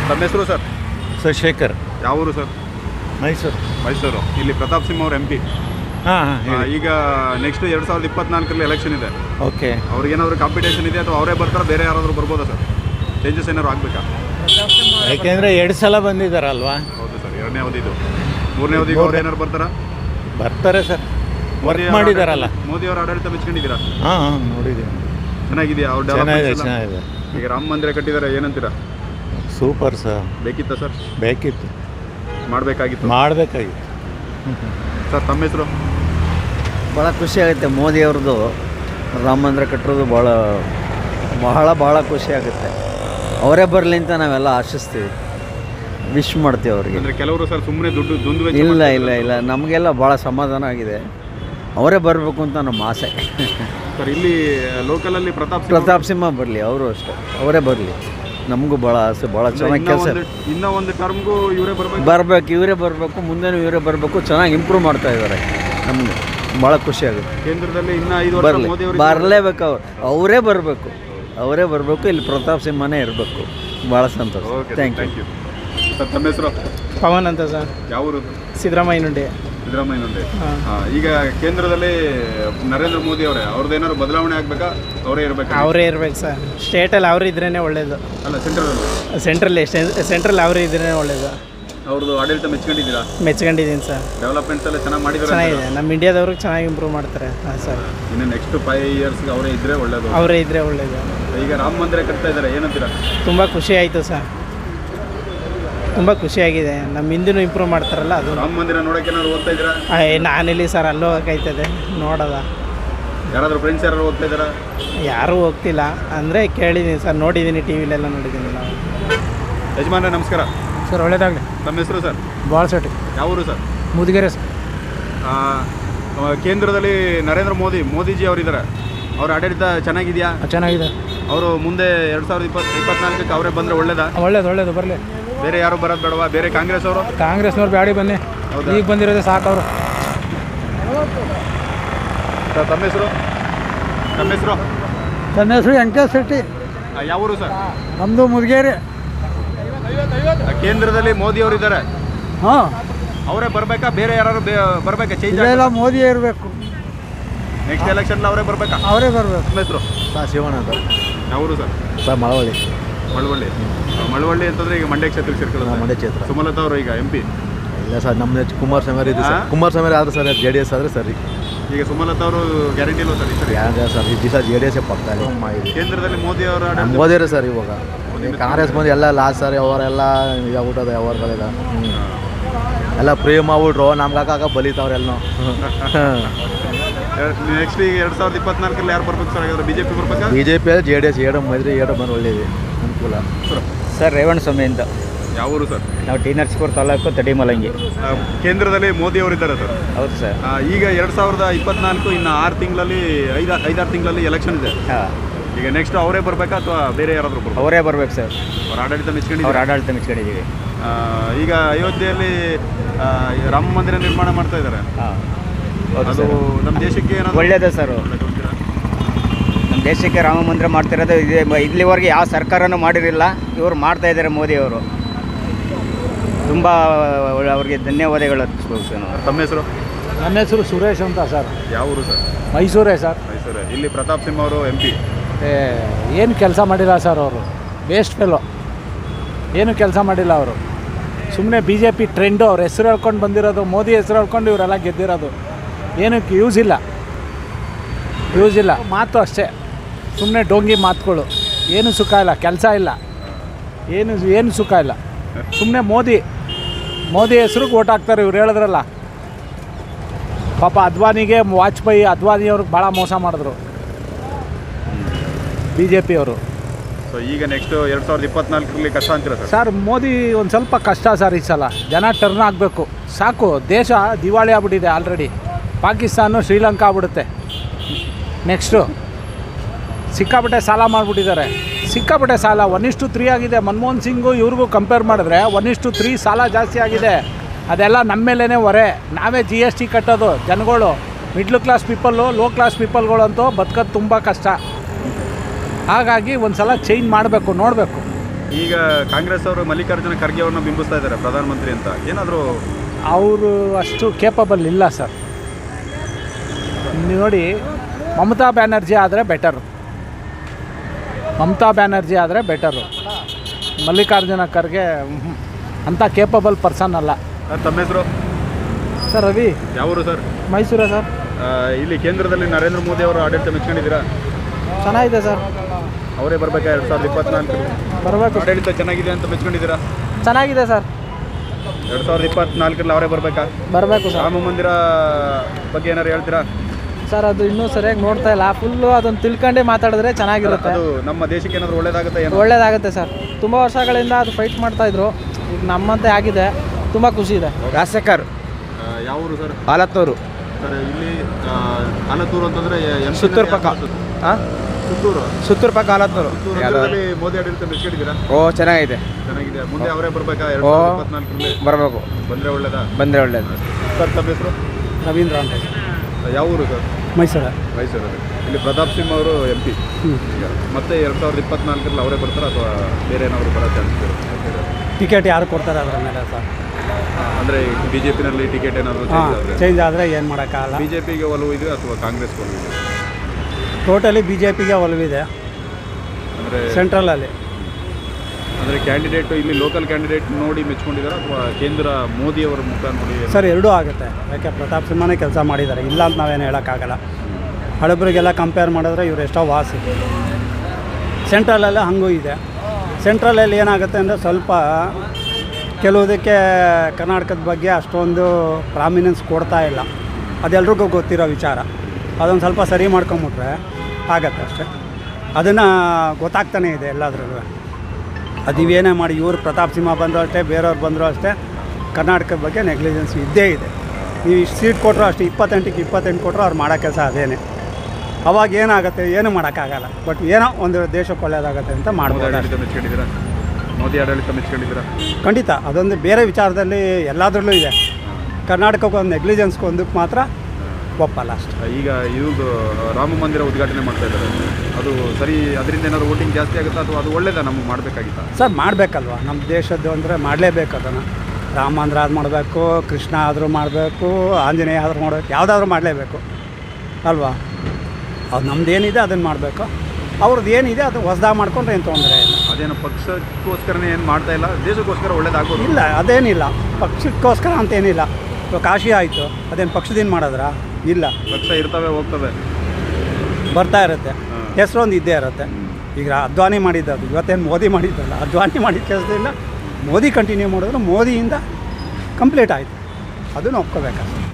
ತಮ್ಮ ಹೆಸರು sir? Sir Shekhar. ಯಾವ ಊರು ಸರ್? ಮೈಸೂರು. ಇಲ್ಲಿ ಪ್ರತಾಪ್ ಸಿಂಹ ಅವರು MP. ಈಗ ನೆಕ್ಸ್ಟ್ 2024 ಎಲೆಕ್ಷನ್ ಇದೆ. ಓಕೆ. ಅವ್ರಿಗೇನಾದ್ರು ಕಾಂಪಿಟೇಷನ್ ಇದೆ ಅಥವಾ ಅವರೇ ಬರ್ತಾರೆ, ಬೇರೆ ಯಾರಾದರೂ ಬರ್ಬೋದಾ ಸರ್? ಚೇಂಜಸ್ ಏನಾದ್ರು ಆಗಬೇಕಾ? ಯಾಕೆಂದರೆ 2 ಸಲ ಬಂದಿದ್ದಾರಲ್ವಾ? ಹೌದು ಸರ್, 2ನೇ ಅವಧಿದು. 3ನೇ ಅವಧಿಗೆ ಅವ್ರು ಏನಾದ್ರು ಬರ್ತಾರೆ ಸರ್. ವರ್ಕ್ ಮಾಡಿದಾರಲ್ಲ. ಮೋದಿ ಅವರ ಆಡಳಿತ ಮೆಚ್ಕೊಂಡಿದ್ದೀರಾ? ಹಾಂ ನೋಡಿದ್ದೀನಿ. ಚೆನ್ನಾಗಿದೆಯಾ ಅವ್ರ ಚೆನ್ನಾಗಿದೆ. ಈಗ ರಾಮ ಮಂದಿರ ಕಟ್ಟಿದ್ದಾರೆ, ಏನಂತೀರಾ? Super sir. ಬೇಕಿತ್ತಾ ಸರ್? ಬೇಕಿತ್ತು, ಮಾಡಬೇಕಾಗಿತ್ತು. ಸರ್ ತಮ್ಮ ಹೆಸರು? ಭಾಳ ಖುಷಿ ಆಗುತ್ತೆ ಮೋದಿ ಅವ್ರದ್ದು ರಾಮ ಮಂದಿರ ಕಟ್ಟಿರೋದು. ಬಹಳ ಖುಷಿ ಆಗುತ್ತೆ. ಅವರೇ ಬರಲಿ ಅಂತ ನಾವೆಲ್ಲ ಆಶಿಸ್ತೀವಿ, ವಿಶ್ ಮಾಡ್ತೀವಿ ಅವ್ರಿಗೆ. ಅಂದರೆ ಕೆಲವರು ಸರ್ ಸುಮ್ಮನೆ ದುಂದು ಇಲ್ಲ ನಮಗೆಲ್ಲ ಭಾಳ ಸಮಾಧಾನ ಆಗಿದೆ. ಅವರೇ ಬರಬೇಕು ಅಂತ ನಮ್ಮ ಆಸೆ. ಸರ್ ಇಲ್ಲಿ ಲೋಕಲಲ್ಲಿ ಪ್ರತಾಪ್ ಸಿಂಹ ಬರಲಿ, ಅವರು ಅಷ್ಟೇ, ಅವರೇ ಬರಲಿ. ನಮಗೂ ಭಾಳ ಆಸೆ, ಭಾಳ ಚೆನ್ನಾಗಿ ಕೆಲಸ. ಇನ್ನೂ ಒಂದು ಟರ್ಮ್ಗೂ ಇವರೇ ಬರಬೇಕು, ಮುಂದೆನೂ ಇವರೇ ಬರಬೇಕು. ಚೆನ್ನಾಗಿ ಇಂಪ್ರೂವ್ ಮಾಡ್ತಾ ಇದ್ದಾರೆ. ನಮಗೆ ಭಾಳ ಖುಷಿ ಆಗುತ್ತೆ. ಕೇಂದ್ರದಲ್ಲಿ ಇನ್ನೂ 5 ವರ್ಷ ಮೋದಿ ಅವರು ಬರಲೇಬೇಕು. ಅವರೇ ಬರಬೇಕು. ಇಲ್ಲಿ ಪ್ರತಾಪ್ ಸಿಂಹನೇ ಇರಬೇಕು. ಭಾಳ ಸಂತೋಷ. Thank you. ಸರ್ ತಮ್ಮ ಹೆಸರು? ಪವನ್ ಅಂತ ಸರ್. ಯಾವ ಊರು? ಸಿದ್ದರಾಮಯ್ಯನುಂಡೆ. ಈಗ ಕೇಂದ್ರದಲ್ಲಿ ನರೇಂದ್ರ ಮೋದಿ ಅವರೇ, ಅವ್ರದ್ದು ಏನಾದ್ರು ಬದಲಾವಣೆ ಆಗಬೇಕಾ? ಅವರೇ ಇರಬೇಕು ಸರ್. ಸ್ಟೇಟಲ್ಲಿ ಅವರು ಇದ್ರೇ ಒಳ್ಳೇದು. ಅಲ್ಲ, ಸೆಂಟ್ರಲ್ ಅವರು ಇದ್ರೇ ಒಳ್ಳೇದು. ಅವ್ರದ್ದು ಆಡಳಿತ ಮೆಚ್ಕೊಂಡಿದ್ದೀರಾ? ಮೆಚ್ಕೊಂಡಿದ್ದೀನಿ ಸರ್. ಡೆವಲಪ್ಮೆಂಟ್ಸ್ ಎಲ್ಲ ಚೆನ್ನಾಗಿ ಮಾಡಿದ್ದಾರೆ. ಚೆನ್ನಾಗಿದೆ. ನಮ್ಮ ಇಂಡಿಯಾದವ್ರಿಗೆ ಚೆನ್ನಾಗಿ ಇಂಪ್ರೂವ್ ಮಾಡ್ತಾರೆ. ಹಾಂ ಸರ್. ಇನ್ನು ನೆಕ್ಸ್ಟ್ 5 ಇಯರ್ಸ್ಗೆ ಅವರೇ ಇದ್ದರೆ ಒಳ್ಳೇದು. ಈಗ ರಾಮ ಮಂದಿರ ಕಟ್ತಾ ಇದ್ದಾರೆ, ಏನಂತೀರಾ? ತುಂಬ ಖುಷಿ ಆಯಿತು ಸರ್. ತುಂಬ ಖುಷಿಯಾಗಿದೆ. ನಮ್ಮ ಹಿಂದಿನೂ ಇಂಪ್ರೂವ್ ಮಾಡ್ತಾರಲ್ಲ, ಅದು. ರಾಮ ಮಂದಿರ ನೋಡೋಕೆ ಏನಾದ್ರು ಹೋಗ್ತಾ ಇದ್ದೀರಾ? ನಾನಿಲ್ಲಿ ಸರ್, ಅಲ್ಲೂ ಹೋಗ್ತದೆ ನೋಡೋದ. ಯಾರಾದರೂ ಫ್ರೆಂಡ್ಸ್ ಯಾರು ಹೋಗ್ತಾ ಇದ್ದಾರಾ? ಯಾರೂ ಹೋಗ್ತಿಲ್ಲ, ಅಂದರೆ ಕೇಳಿದ್ದೀನಿ ಸರ್, ನೋಡಿದ್ದೀನಿ, ಟಿವಿಲೆಲ್ಲ ನೋಡಿದ್ದೀನಿ ನಾವು. ಯಜಮಾನ್ರೆ ನಮಸ್ಕಾರ ಸರ್. ಒಳ್ಳೇದಾಗಲಿ. ನಮ್ಮ ಹೆಸರು ಸರ್? ಬಾಳಸಟ್ಟಿ. ಯಾವ ಊರು ಸರ್? ಮುದಿಗೆರೆ ಸರ್. ಕೇಂದ್ರದಲ್ಲಿ ನರೇಂದ್ರ ಮೋದಿಜಿ ಅವರಿದ್ದಾರೆ. ಅವ್ರ ಆಡಳಿತ ಚೆನ್ನಾಗಿದೆಯಾ? ಚೆನ್ನಾಗಿದೆ. ಅವರು ಮುಂದೆ 2024 ಅವರೇ ಬಂದರೆ ಒಳ್ಳೇದಾ? ಒಳ್ಳೇದು ಬರಲಿ. ಬೇರೆ ಯಾರು ಬರೋದು ಬೇಡವಾ? ಬೇರೆ ಕಾಂಗ್ರೆಸ್ನವ್ರು ಬ್ಯಾಡಿ ಬನ್ನಿ. ಈಗ ಬಂದಿರೋದೇ ಸಾಕು ಅವರು. ತಮ್ಮ ಹೆಸರು? ನನ್ನ ಹೆಸರು ವೆಂಕಟೇಶ್ ಶೆಟ್ಟಿ. ಯಾವ ಊರು ಸರ್? ನಮ್ಮದು ಮುದಿಗೆರೆ. ಕೇಂದ್ರದಲ್ಲಿ ಮೋದಿ ಅವರಿದ್ದಾರೆ. ಹಾಂ, ಅವರೇ ಬರಬೇಕಾ? ಬೇರೆ ಯಾರು ಬರಬೇಕಾ? ಚೇಂಜ್ ಇಲ್ಲ, ಮೋದಿಯೇ ಇರಬೇಕು. ನೆಕ್ಸ್ಟ್ ಎಲೆಕ್ಷನ್ ಅವರೇ ಬರಬೇಕಾ? ಅವರೇ ಬರಬೇಕು. ನಮ್ಮ ಹೆಸರು? ಶಿವಣ್ಣ ಅಂತ. ಯಾವ ಊರು ಸರ್? ಮಳವಳ್ಳಿ ಅಂತಂದ್ರೆ ಈಗ ಮಂಡ್ಯ ಕ್ಷೇತ್ರಕ್ಕೆ ಸೇರ್ಕೊಳ್ಳೋದು. ಮಂಡ್ಯ ಕ್ಷೇತ್ರ. ಸುಮಲತಾ ಅವರು ಈಗ MP. ಇಲ್ಲ ಸರ್, ನಮ್ಮದು ಕುಮಾರಸ್ವಾಮಿ ಆದ್ರೆ ಸರ್, JDS ಆದರೆ ಸರಿ. ಈಗ ಸುಮಲತಾ ಅವರು ಗ್ಯಾರಂಟಿ ಇಲ್ಲ ಸರ್? ಸರ್ ಈ ದಿವಸ JDS ಪಕ್ಕ. ಕೇಂದ್ರದಲ್ಲಿ ಮೋದಿ ಅವರ ಮೋದಿರೇ ಸರ್. ಇವಾಗ ಕಾಂಗ್ರೆಸ್ ಬಂದು ಎಲ್ಲ ಲಾಸ್ ಸರ್. ಅವರೆಲ್ಲ ಇದಾಗ್ಬಿಟ್ಟದ ವ್ಯವಹಾರಗಳೆಲ್ಲ. ಎಲ್ಲ ಫ್ರೀ ಮಾಡ್ಬಿಟ್ರು, ನಮ್ಗೆ ಬಲಿತಾವ್ರೆಲ್ಲ. ನೆಕ್ಸ್ಟ್ ಈಗ 2024 ಯಾರು ಬರ್ಬೇಕು ಸರ್? ಹಾಗಾದ್ರೆ BJP ಬರ್ಬೇಕಾ? BJP JDS ಎರಡು ಬಂದು ಒಳ್ಳೇದು ಅನುಕೂಲ. ಸರ್ ರೇವಣಸ್ವಾಮಿ ಅಂತ. ಯಾವ ಊರು ಸರ್? ನಾವು ಟಿ ನರಸೀಪುರ ತಾಲೂಕು ತಡಿಮಲಂಗಿ. ಕೇಂದ್ರದಲ್ಲಿ ಮೋದಿ ಅವರಿದ್ದಾರೆ ಸರ್. ಹೌದು ಸರ್. ಈಗ 2024 ಇನ್ನು 6 ತಿಂಗಳಲ್ಲಿ 5-6 ತಿಂಗಳಲ್ಲಿ ಎಲೆಕ್ಷನ್ ಇದೆ. ಈಗ ನೆಕ್ಸ್ಟ್ ಅವರೇ ಬರಬೇಕಾ ಅಥವಾ ಬೇರೆ ಯಾರಾದರೂ ಬರ್ಬೇಕು? ಅವರೇ ಬರ್ಬೇಕು ಸರ್. ಅವ್ರ ಆಡಳಿತ ಮೆಚ್ಕೊಂಡಿದ್ದೀವಿ. ಈಗ ಅಯೋಧ್ಯೆಯಲ್ಲಿ ರಾಮ ಮಂದಿರ ನಿರ್ಮಾಣ ಮಾಡ್ತಾ ಇದ್ದಾರೆ. ಅದು ನಮ್ಮ ದೇಶಕ್ಕೆ ಏನಾದರೂ ಒಳ್ಳೇದೇ ಸರ್. ನಮ್ಮ ದೇಶಕ್ಕೆ ರಾಮ ಮಂದಿರ ಮಾಡ್ತಿರೋದು ಇದೆ. ಇಲ್ಲಿವರೆಗೆ ಯಾವ ಸರ್ಕಾರನೂ ಮಾಡಿರಲಿಲ್ಲ, ಇವರು ಮಾಡ್ತಾ ಇದ್ದಾರೆ ಮೋದಿ ಅವರು. ತುಂಬ ಅವ್ರಿಗೆ ಧನ್ಯವಾದಗಳು ಅರ್ಪಿಸ್ಬೇಕು ಸರ್. ತಮ್ಮ ಹೆಸರು? ನನ್ನ ಹೆಸರು ಸುರೇಶ್ ಅಂತ ಸರ್. ಯಾವ ಊರು ಸರ್? ಮೈಸೂರೇ ಸರ್. ಇಲ್ಲಿ ಪ್ರತಾಪ್ ಸಿಂಹ ಅವರು MP. ಏನು ಕೆಲಸ ಮಾಡಿಲ್ಲ ಸರ್ ಅವರು. Waste fellow. ಏನು ಕೆಲಸ ಮಾಡಿಲ್ಲ ಅವರು. ಸುಮ್ಮನೆ BJP ಟ್ರೆಂಡು. ಅವ್ರ ಹೆಸರು ಹೇಳ್ಕೊಂಡು ಬಂದಿರೋದು, ಮೋದಿ ಹೆಸರು ಹೇಳ್ಕೊಂಡು ಇವರೆಲ್ಲ ಗೆದ್ದಿರೋದು. ಏನಕ್ಕೆ ಯೂಸ್ ಇಲ್ಲ. ಮಾತು ಅಷ್ಟೇ, ಸುಮ್ಮನೆ ಡೋಂಗಿ ಮಾತುಗಳು. ಏನು ಸುಖ ಇಲ್ಲ, ಕೆಲಸ ಇಲ್ಲ, ಏನು ಸುಖ ಇಲ್ಲ. ಸುಮ್ಮನೆ ಮೋದಿ ಹೆಸ್ರಿಗೆ ಓಟ್ ಹಾಕ್ತಾರೆ ಇವ್ರು. ಹೇಳಿದ್ರಲ್ಲ ಪಾಪ ಅದ್ವಾನಿಯವ್ರಿಗೆ ಭಾಳ ಮೋಸ ಮಾಡಿದ್ರು BJP ಅವರು. ಸೊ ಈಗ ನೆಕ್ಸ್ಟ್ 2024 ಕಷ್ಟ ಅಂತೀರಾ ಸರ್? ಮೋದಿ ಒಂದು ಸ್ವಲ್ಪ ಕಷ್ಟ ಸರ್. ಈ ಸಲ ಜನ ಟರ್ನ್ ಆಗಬೇಕು. ಸಾಕು, ದೇಶ ದಿವಾಳಿ ಆಗ್ಬಿಟ್ಟಿದೆ ಆಲ್ರೆಡಿ. ಪಾಕಿಸ್ತಾನ ಶ್ರೀಲಂಕಾ ಆಗ್ಬಿಡುತ್ತೆ ನೆಕ್ಸ್ಟು. ಸಿಕ್ಕಾಪಟ್ಟೆ ಸಾಲ ಮಾಡಿಬಿಟ್ಟಿದ್ದಾರೆ. ಸಿಕ್ಕಾಪಟ್ಟೆ ಸಾಲ 1:3 ಆಗಿದೆ. ಮನಮೋಹನ್ ಸಿಂಗು ಇವ್ರಿಗೂ ಕಂಪೇರ್ ಮಾಡಿದ್ರೆ 1:3 ಸಾಲ ಜಾಸ್ತಿ ಆಗಿದೆ. ಅದೆಲ್ಲ ನಮ್ಮ ಮೇಲೇ ಹೊರೆ. ನಾವೇ GST ಕಟ್ಟೋದು. ಜನಗಳು middle class people, low class ಪೀಪಲ್ಗಳಂತೂ ಬದುಕೋದು ತುಂಬ ಕಷ್ಟ. ಹಾಗಾಗಿ ಒಂದು ಸಲ ಚೇಂಜ್ ಮಾಡಬೇಕು, ನೋಡಬೇಕು ಈಗ ಕಾಂಗ್ರೆಸ್ ಅವರು ಮಲ್ಲಿಕಾರ್ಜುನ ಖರ್ಗೆ ಅವ್ರನ್ನ ಬಿಂಬಿಸ್ತಾ ಇದ್ದಾರೆ ಪ್ರಧಾನಮಂತ್ರಿ ಅಂತ, ಏನಾದರೂ ಅವರು ಅಷ್ಟು ಕೇಪಬಲ್ ಇಲ್ಲ ಸರ್. ನೀವು ನೋಡಿ, ಮಮತಾ ಬ್ಯಾನರ್ಜಿ ಆದರೆ ಬೆಟರು. ಮಲ್ಲಿಕಾರ್ಜುನ ಖರ್ಗೆ ಅಂಥ ಕೇಪಬಲ್ ಪರ್ಸನ್ ಅಲ್ಲ. ತಮ್ಮ ಹೆಸರು ಸರ್ ರವಿ. ಯಾವರು ಸರ್? ಮೈಸೂರೇ ಸರ್. ಇಲ್ಲಿ ಕೇಂದ್ರದಲ್ಲಿ ನರೇಂದ್ರ ಮೋದಿ ಅವರು ಆಡಳಿತ ಮೆಚ್ಕೊಂಡಿದ್ದೀರಾ? ಚೆನ್ನಾಗಿದೆ ಸರ್. ಅವರೇ ಬರ್ಬೇಕಾ 2024? ಬರಬೇಕು. ಆಡಳಿತ ಚೆನ್ನಾಗಿದೆ ಅಂತ ಮೆಚ್ಕೊಂಡಿದ್ದೀರಾ? ಚೆನ್ನಾಗಿದೆ ಸರ್. 2024 ಅವರೇ ಬರ್ಬೇಕಾ? ಬರಬೇಕು ಸರ್. ರಾಮ ಮಂದಿರ ಬಗ್ಗೆ ಏನಾರು ಹೇಳ್ತೀರಾ ಸರ್? ಅದು ಇನ್ನೂ ಸರಿಯಾಗಿ ನೋಡ್ತಾ ಇಲ್ಲ. ಫುಲ್ಲು ಅದನ್ನು ತಿಳ್ಕೊಂಡೇ ಮಾತಾಡಿದ್ರೆ ಚೆನ್ನಾಗಿರುತ್ತೆ. ಅದು ನಮ್ಮ ದೇಶಕ್ಕೆ ಏನಾದರೂ ಒಳ್ಳೇದಾಗುತ್ತೆ? ಒಳ್ಳೇದಾಗುತ್ತೆ ಸರ್. ತುಂಬ ವರ್ಷಗಳಿಂದ ಅದು ಫೈಟ್ ಮಾಡ್ತಾಯಿದ್ರು. ಈಗ ನಮ್ಮಂತೆ ಆಗಿದೆ. ತುಂಬ ಖುಷಿ ಇದೆ. ರಾಜಶೇಖರ್. ಯಾವ ಊರು ಸರ್? ಆಲತ್ತೂರು. ಸರ್ ಇಲ್ಲಿ ಆಲತ್ತೂರು ಅಂತಂದರೆ ಸುತ್ತೂರು ಪಕ್ಕ. ಹಾಂ, ಸುತ್ತೂರು ಪಕ್ಕ ಆಲತ್ತೂರು. ನಗರದಲ್ಲಿ ಮೋದಿ ಆಡಳಿತ ಮೆಚ್ಕೊಂಡಿದ್ದೀರಾ? ಓ, ಚೆನ್ನಾಗಿದೆ. ಚೆನ್ನಾಗಿದೆ. ಮುಂದೆ ಅವರೇ ಬರ್ಬೇಕಾ 2024? ಬರಬೇಕು. ಬಂದರೆ ಒಳ್ಳೇದಾ? ಬಂದರೆ ಒಳ್ಳೇದು. ಸರ್ ತಮ್ಮ ಹೆಸರು? ರವೀಂದ್ರ ಅಂತ. ಯಾವ ಊರು ಸರ್? ಮೈಸೂರು. ಇಲ್ಲಿ ಪ್ರತಾಪ್ ಸಿಂಹ ಅವರು MP. ಈಗ ಮತ್ತೆ 2024 ಅವರೇ ಬರ್ತಾರಾ ಅಥವಾ ಬೇರೆ ಏನಾದರೂ ಬರೋ ಚಾನ್ಸ್ ಇರುತ್ತೆ? ಟಿಕೆಟ್ ಯಾರು ಕೊಡ್ತಾರೆ ಅದರ ಮೇಲೆ ಸರ್. ಅಂದರೆ BJPನಲ್ಲಿ ಟಿಕೆಟ್ ಏನಾದರೂ ಚೇಂಜ್ ಆದರೆ ಏನು ಮಾಡೋಕ್ಕಾಗಲ್ಲ. BJPಗೆ ಒಲವು ಇದೆ ಅಥವಾ ಕಾಂಗ್ರೆಸ್ ಒಲವು ಇದೆ? ಟೋಟಲಿ BJPಗೆ ಒಲವಿದೆ ಅಂದರೆ ಸೆಂಟ್ರಲಲ್ಲಿ. ಅಂದರೆ ಕ್ಯಾಂಡಿಡೇಟು ಇಲ್ಲಿ ಲೋಕಲ್ ಕ್ಯಾಂಡಿಡೇಟ್ ನೋಡಿ ಮೆಚ್ಕೊಂಡಿದ್ದಾರೆ ಅಥವಾ ಕೇಂದ್ರ ಮೋದಿಯವರ ಮುಖ ನೋಡಿ? ಸರ್, ಎರಡೂ ಆಗುತ್ತೆ. ಯಾಕೆ ಪ್ರತಾಪ್ ಸಿಂಹನೇ ಕೆಲಸ ಮಾಡಿದ್ದಾರೆ, ಇಲ್ಲ ಅಂತ ನಾವೇನು ಹೇಳೋಕ್ಕಾಗಲ್ಲ. ಹಳಬರಿಗೆಲ್ಲ ಕಂಪೇರ್ ಮಾಡಿದ್ರೆ ಇವರು ಎಷ್ಟೋ ವಾಸಿ. ಸೆಂಟ್ರಲಲ್ಲಿ ಹಂಗೂ ಇದೆ. ಸೆಂಟ್ರಲಲ್ಲಿ ಏನಾಗುತ್ತೆ ಅಂದರೆ ಸ್ವಲ್ಪ ಕೆಲವುದಕ್ಕೆ ಕರ್ನಾಟಕದ ಬಗ್ಗೆ ಅಷ್ಟೊಂದು ಪ್ರಾಮಿನೆನ್ಸ್ ಕೊಡ್ತಾ ಇಲ್ಲ. ಅದೆಲ್ರಿಗೂ ಗೊತ್ತಿರೋ ವಿಚಾರ. ಅದೊಂದು ಸ್ವಲ್ಪ ಸರಿ ಮಾಡ್ಕೊಂಬಿಟ್ರೆ ಆಗತ್ತೆ ಅಷ್ಟೇ. ಅದನ್ನು ಗೊತ್ತಾಗ್ತಾನೇ ಇದೆ ಎಲ್ಲದ್ರಲ್ಲೂ. ಅದು ಇವೇನೇ ಮಾಡಿ ಇವರು ಪ್ರತಾಪ್ ಸಿಂಹ ಬಂದರೂ ಅಷ್ಟೇ, ಬೇರೆಯವ್ರು ಬಂದರೂ ಅಷ್ಟೇ, ಕರ್ನಾಟಕದ ಬಗ್ಗೆ ನೆಗ್ಲಿಜೆನ್ಸ್ ಇದ್ದೇ ಇದೆ. ನೀವು ಇಷ್ಟು ಸೀಟ್ ಕೊಟ್ಟರು ಅಷ್ಟೇ, 28ಕ್ಕೆ 28 ಕೊಟ್ಟರು ಅವ್ರು ಮಾಡೋ ಕೆಲಸ ಅದೇನೆ. ಅವಾಗ ಏನಾಗುತ್ತೆ, ಏನು ಮಾಡೋಕ್ಕಾಗಲ್ಲ. ಬಟ್ ಏನೋ ಒಂದು ದೇಶಕ್ಕೆ ಒಳ್ಳೆಯದಾಗತ್ತೆ ಅಂತ ಮಾಡ್ಬೋದು. ಮೋದಿ ಆಡಳಿತ ಮೆಚ್ಕೊಂಡಿದ್ದೀರಾ? ಖಂಡಿತ. ಅದೊಂದು ಬೇರೆ ವಿಚಾರದಲ್ಲಿ ಎಲ್ಲದರಲ್ಲೂ ಇದೆ. ಕರ್ನಾಟಕಕ್ಕೆ ಒಂದು ನೆಗ್ಲಿಜೆನ್ಸ್ಗೆ ಒಂದಕ್ಕೆ ಮಾತ್ರ ಒಪ್ಪಲ್ಲ ಅಷ್ಟೇ. ಈಗ ಇವ್ರದ್ದು ರಾಮ ಮಂದಿರ ಉದ್ಘಾಟನೆ ಮಾಡ್ತಾ ಇದ್ದಾರೆ, ಅದು ಸರಿ? ಅದರಿಂದ ಏನಾದ್ರು ವೋಟಿಂಗ್ ಜಾಸ್ತಿ ಆಗುತ್ತಾ ಅಥವಾ ಅದು ಒಳ್ಳೇದಾ? ನಮಗೆ ಮಾಡಬೇಕಾಗಿತ್ತಾ ಸರ್? ಮಾಡಬೇಕಲ್ವ. ನಮ್ಮ ದೇಶದ್ದು ಅಂದರೆ ಮಾಡಲೇಬೇಕು. ಅದನ್ನು ರಾಮ ಮಂದಿರ ಆದ್ರೂ ಮಾಡಬೇಕು, ಕೃಷ್ಣ ಆದರೂ ಮಾಡಬೇಕು, ಆಂಜನೇಯ ಆದರೂ ಮಾಡಬೇಕು, ಯಾವುದಾದ್ರೂ ಮಾಡಲೇಬೇಕು ಅಲ್ವಾ? ಅದು ನಮ್ದು ಏನಿದೆ ಅದನ್ನು ಮಾಡಬೇಕು. ಅವ್ರದ್ದು ಏನಿದೆ ಅದು ಹೊಸದಾಗಿ ಮಾಡ್ಕೊಂಡ್ರೆ ಏನು ತೊಂದರೆ ಇಲ್ಲ. ಅದೇನು ಪಕ್ಷಕ್ಕೋಸ್ಕರನೇ ಏನು ಮಾಡ್ತಾ ಇಲ್ಲ, ದೇಶಕ್ಕೋಸ್ಕರ ಒಳ್ಳೇದಾಗೋದು ಇಲ್ಲ. ಅದೇನಿಲ್ಲ, ಪಕ್ಷಕ್ಕೋಸ್ಕರ ಅಂತೇನಿಲ್ಲ. ಇವಾಗ ಕಾಶಿ ಆಯಿತು, ಅದೇನು ಪಕ್ಷದಿಂದ ಮಾಡಿದ್ರಾ? ಇಲ್ಲ. ಪಕ್ಷ ಇರ್ತವೆ, ಹೋಗ್ತವೆ, ಬರ್ತಾ ಇರುತ್ತೆ. ಹೆಸರೊಂದು ಇದ್ದೇ ಇರುತ್ತೆ. ಈಗ ಅದ್ವಾನಿ ಮಾಡಿದ್ದು, ಇವತ್ತೇನು ಮೋದಿ ಮಾಡಿದ್ದಲ್ಲ. ಅದ್ವಾನಿ ಮಾಡಿದ ಕೆಲಸದಿಂದ ಮೋದಿ ಕಂಟಿನ್ಯೂ ಮಾಡಿದ್ರು, ಮೋದಿಯಿಂದ ಕಂಪ್ಲೀಟ್ ಆಯಿತು. ಅದನ್ನು ಒಪ್ಕೋಬೇಕು.